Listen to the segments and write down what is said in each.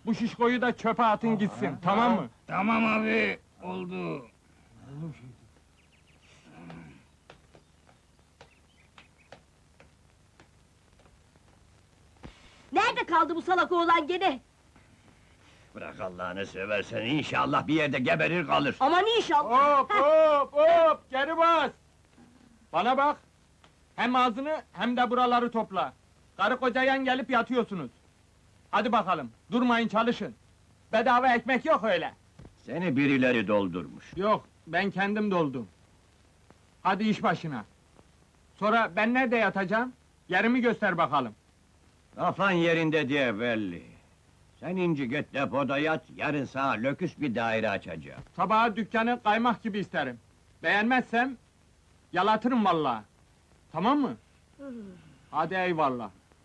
Bu şişkoyu da çöpe atın gitsin, tamam mı? Tamam abi, oldu. Nerede kaldı bu salak oğlan gene? Bırak Allah'ını seversen, inşallah bir yerde geberir kalır. Aman inşallah! Hop hop hop, geri bas! Bana bak! Hem ağzını hem de buraları topla. Karı koca yan gelip yatıyorsunuz. Hadi bakalım, durmayın çalışın. Bedava ekmek yok öyle. Seni birileri doldurmuş. Yok, ben kendim doldum. Hadi iş başına. Sonra ben nerede yatacağım? Yerimi göster bakalım. Kafan yerinde diye belli. Sen inci git depoda yat, yarın sana löküs bir daire açacağım. Sabaha dükkanı kaymak gibi isterim. Beğenmezsem, yalatırım vallahi. Tamam mı? Hadi eyvallah.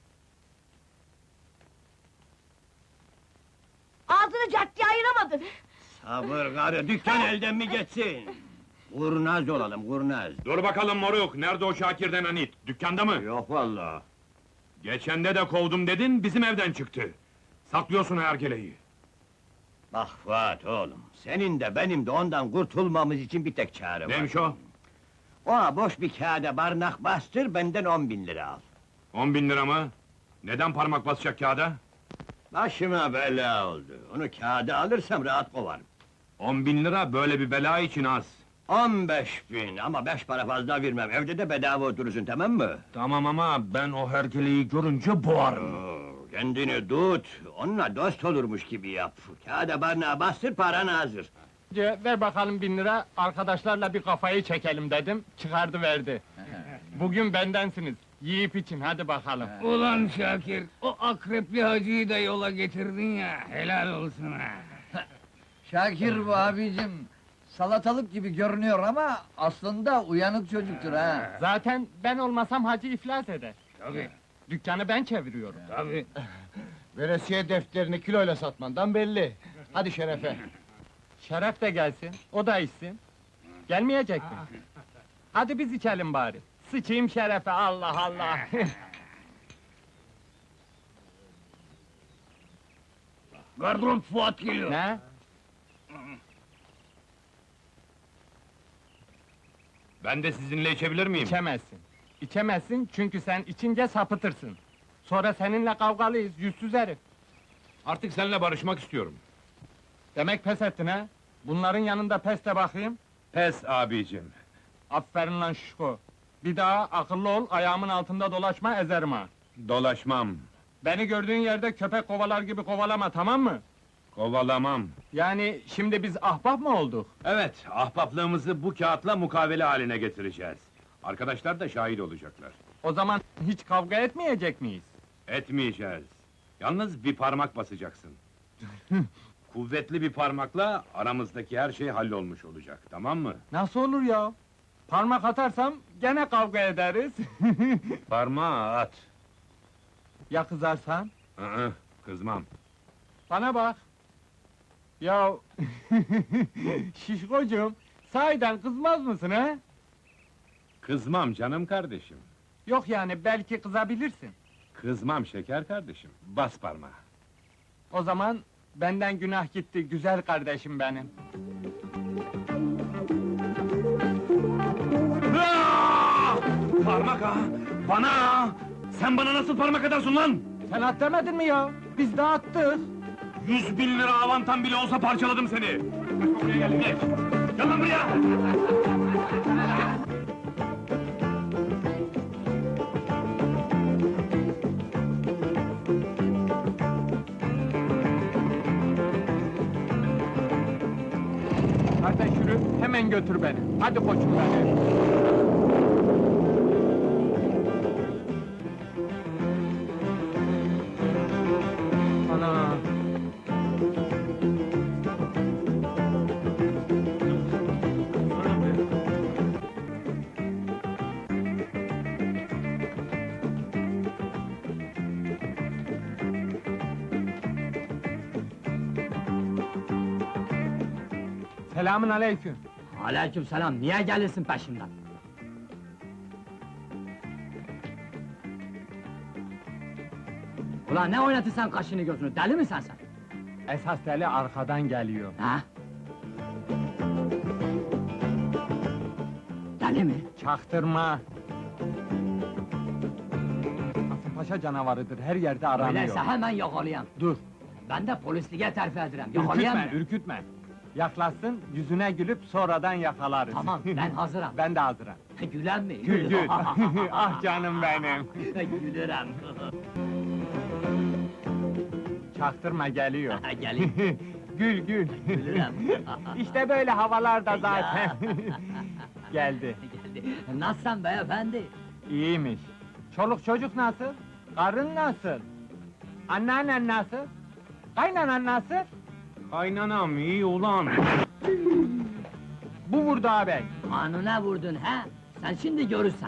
Ağzını caddeye ayıramadın! Sabır karı, dükkan elden mi geçsin? Kurnaz olalım, kurnaz. Dur bakalım moruk, nerede o Şakir denen it? Dükkanda mı? Yok vallahi. Geçende de kovdum dedin, bizim evden çıktı. Saklıyorsun hergeleyi. Bak Fuat oğlum, senin de benim de ondan kurtulmamız için bir tek çare var. Neymiş o? O boş bir kağıda barnak bastır, benden 10.000 lira al. 10.000 lira mı? Neden parmak basacak kağıda? Başıma bela oldu. Onu kağıda alırsam rahat kovarım. 10.000 lira böyle bir bela için az. 15.000 ama 5 para fazla vermem. Evde de bedava oturursun, tamam mı? Tamam ama ben o hergeleyi görünce boğarım. Kendini tut, onunla dost olurmuş gibi yap. Kağıda barnağa bastır, paran hazır. Ver bakalım 1000 lira, arkadaşlarla bir kafayı çekelim dedim, çıkardı verdi. Bugün bendensiniz, yiyip için, hadi bakalım. Ulan Şakir, o akrepli hacıyı da yola getirdin ya, helal olsun ha! Şakir bu abicim, salatalık gibi görünüyor ama aslında uyanık çocuktur ha. Zaten ben olmasam hacı iflas eder. Tabii, Dükkanı ben çeviriyorum. tabii. Veresiye defterini kiloyla satmandan belli. Hadi şerefe. Şeref de gelsin, o da içsin. Gelmeyecek mi? Hadi biz içelim bari. Sıçayım şerefe, Allah Allah! Gardırop Fuat geliyor. Ne? Ben de sizinle içebilir miyim? İçemezsin. İçemezsin çünkü sen içince sapıtırsın. Sonra seninle kavgalıyız, yüzsüz herif. Artık seninle barışmak istiyorum. Demek pes ettin ha? Bunların yanında pes de bakayım. Pes abicim. Aferin lan şişko! Bir daha akıllı ol, ayağımın altında dolaşma, ezerim ha! Dolaşmam. Beni gördüğün yerde köpek kovalar gibi kovalama, tamam mı? Kovalamam. Yani şimdi biz ahbap mı olduk? Evet, ahbaplığımızı bu kağıtla mukavele haline getireceğiz. Arkadaşlar da şahit olacaklar. O zaman hiç kavga etmeyecek miyiz? Etmeyeceğiz. Yalnız bir parmak basacaksın. Kuvvetli bir parmakla aramızdaki her şey hallolmuş olacak, tamam mı? Nasıl olur ya? Parmak atarsam gene kavga ederiz. Parmağı at. Ya kızarsan? Kızmam. Bana bak! Ya şişkocuğum, sahiden kızmaz mısın ha? Kızmam canım kardeşim. Yok yani, belki kızabilirsin. Kızmam şeker kardeşim. Bas parmağı. O zaman benden günah gitti, güzel kardeşim benim. Parmak ha! Bana ha! Sen bana nasıl parmak atarsın lan? Sen at demedin mi ya? Biz de attık. 100.000 lira avantam bile olsa parçaladım seni! Kaç buraya gel, geç! Gel lan buraya! Kardeş yürü, hemen götür beni. Hadi koçum benim. Ana! Selamün aleyküm. Aleykümselam, niye gelirsin peşimden? Ulan ne oynatırsan kaşını gözünü, deli misin sen? Esas deli arkadan geliyor. Ha? Deli mi? Çaktırma. Kasımpaşa canavarıdır, her yerde aranıyor. Öyleyse hemen yakalayayım. Dur, Ben de polisliğe terfi ederim. ürkütme, Yakalayayım mı? ürkütme. Yaklaşsın, yüzüne gülüp sonradan yakalarız. Tamam, ben hazırım. Ben de hazırım. Gülen mi? Gül gül. Ah canım benim. Gülürüm. Çaktırma geliyor. Gelin. Gül gül. Gülürüm. İşte böyle havalarda zaten. Geldi. Geldi. Nasılsın beyefendi? İyiymiş. Çoluk çocuk nasıl? Karın nasıl? Anneannen nasıl? Kaynanan nasıl? Kaynanam iyi ulan. Bu vurdu ağabey. Kanuna vurdun ha? Sen şimdi görürsen.